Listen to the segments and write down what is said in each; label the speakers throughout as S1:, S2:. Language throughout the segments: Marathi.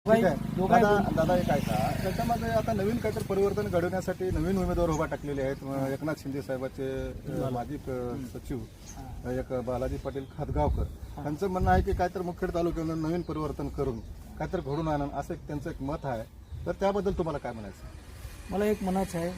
S1: ठीक आहे.
S2: दोघाही
S1: दादा एक ऐका, त्याच्यामध्ये आता नवीन काहीतरी परिवर्तन घडवण्यासाठी नवीन उमेदवार उभा टाकलेले आहेत. एकनाथ शिंदे साहेबाचे माजी सचिव एक बालाजी पाटील खतगावकर त्यांचं म्हणणं आहे की काहीतरी मुखेड तालुक्यामध्ये नवीन परिवर्तन करून काहीतरी घडून आणून असं त्यांचं एक मत आहे. तर त्याबद्दल तुम्हाला काय म्हणायचं?
S2: मला एक म्हणायचं आहे,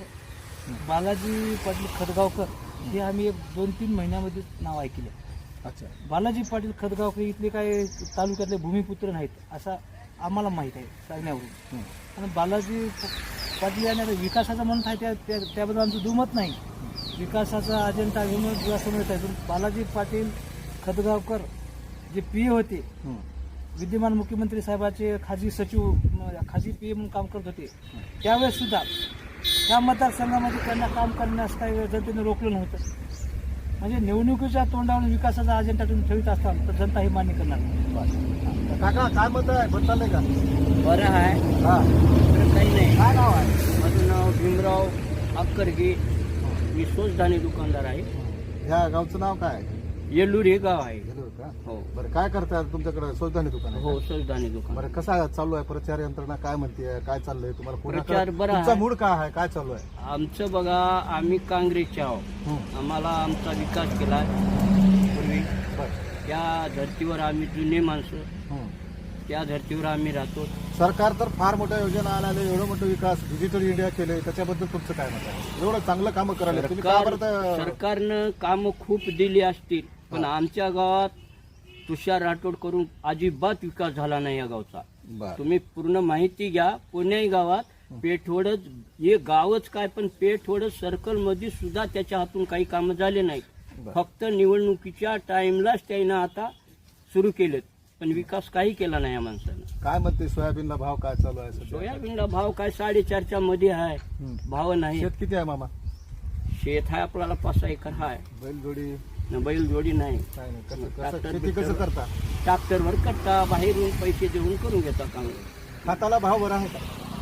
S2: बालाजी पाटील खतगावकर हे आम्ही एक 2-3 महिन्यामध्ये नाव ऐकले.
S1: अच्छा,
S2: बालाजी पाटील खतगावकर इथले काय तालुक्यातले भूमिपुत्र नाहीत असं आम्हाला माहीत आहे सांगण्यावरून. आणि बालाजी पाटील यांना विकासाचं म्हणत आहे त्याबद्दल आमचं दुमत नाही. विकासाचा अजेंडा घेऊन असं म्हणत आहे. पण बालाजी पाटील खतगावकर जे पी होते, विद्यमान मुख्यमंत्री साहेबाचे खाजगी सचिव, खाजगी पी म्हणून काम करत होते, त्यावेळेस सुद्धा त्या मतदारसंघामध्ये त्यांना काम करण्यास काही जनतेने रोखलं नव्हतं. म्हणजे निवडणुकीच्या तोंडावर विकासाचा अजेंडा तुम्ही ठेवत असताल तर जनता हे मान्य करणार नाही.
S1: काका काय मत आहे? बरं चाललंय का?
S3: बरं आहे.
S1: हा,
S3: काही नाही.
S1: काय नाव आहे?
S3: माझं नाव भीमराव अक्करगे. मी सोजधानी दुकानदार आहे.
S1: ह्या गावचं नाव काय आहे?
S3: येल्लूर हे गाव आहे.
S1: गेलो का?
S3: हो
S1: बरं, काय करताय तुमच्याकडे? सोजधानी दुकान आहे
S3: हो,
S1: का?
S3: सोजधानी दुकान.
S1: बरं, कसा चालू आहे प्रचार यंत्रणा? काय म्हणते? काय चाललंय तुम्हाला?
S3: प्रचार बरा
S1: तुमचा
S3: आहे.
S1: मूड काय आहे? काय चालू आहे?
S3: आमचं बघा, आम्ही काँग्रेसचे आहोत. आम्हाला आमचा विकास केला पूर्वी.
S1: बरं.
S3: त्या धर्तीवर आम्ही जुने माणसं, त्या धर्तीवर आम्ही राहतो.
S1: सरकार तर फार मोठ्या योजना आल्या, एवढं मोठं विकास डिजिटल इंडिया केले, त्याच्याबद्दल तुमचं काय मत आहे? एवढं चांगलं कामं करायला तुम्ही का बरं
S3: सरकारनं कामं खूप दिली असतील, पण आमच्या गावात तुषार राठोड करून अजिबात विकास झाला नाही या गावचा.
S1: बरं.
S3: तुम्ही पूर्ण माहिती घ्या. पुणे गावात पेठवडच, हे गावच काय, पण पेठवडच सर्कल मध्ये सुद्धा त्याच्या हातून काही कामं झाले नाहीत. फक्त निवडणुकीच्या टाइमलाच त्यानं आता सुरू केलेत, पण विकास काही केला नाही या माणसानं.
S1: काय म्हणते? सोयाबीनला भाव काय चालू आहे सध्या?
S3: सोयाबीनला भाव काय 4.5च्या मध्ये आहे. भाव नाही.
S1: शेत किती आहे मामा?
S3: शेत आहे आपल्याला 5 एकर आहे.
S1: बैलजोडी
S3: बैल जोडी नाही.
S1: काय नाही. शेती कसं करता?
S3: ट्रॅक्टरवर करता, बाहेरून पैसे देऊन करून घेता काम.
S1: खताला भाव बरा आहे का?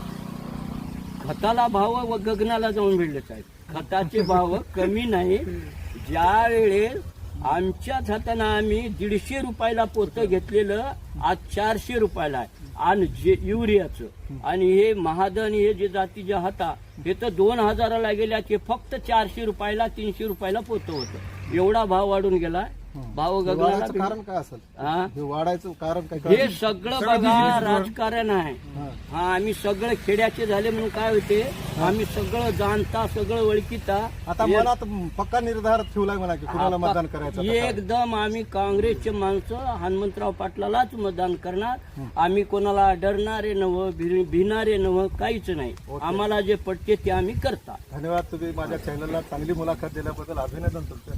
S3: खताला भाव व गगनाला जाऊन भिडलेच आहेत. खताचे भाव कमी नाही. ज्या वेळेस आमच्याच हातानं आम्ही 150 रुपयाला पोतं घेतलेलं आज 400 रुपयाला आहे. आणि जे युरियाचं आणि हे महादन हे जे जातीच्या हाता हे तर 2000ला गेल्या, ते फक्त 400 रुपयाला 300 रुपयाला पोतं होतं. एवढा भाव वाढून गेला. भाव गगनाला
S1: वाढायचं कारण काय असेल?
S3: हा?
S1: हे वाढायचं कारण काय?
S3: हे सगळं बघा राजकारण आहे. हा, आम्ही सगळं खेड्याचे झाले म्हणून काय होते, आम्ही सगळं जाणता, सगळं ओळखीता.
S1: आता मनात पक्का निर्धार ठेवलाय मला की कुणाला मतदान करायचं? आता काय?
S3: एकदम आम्ही काँग्रेसचे माणसं हनुमंतराव पाटलालाच मतदान करणार. आम्ही कोणाला डरणारे नव्ह, भिणारे नव्ह, काहीच नाही. आम्हाला जे पटते ते आम्ही करता.
S1: धन्यवाद. तुम्ही माझ्या चॅनलला चांगली मुलाखत दिल्याबद्दल अभिनंदन तुमचं.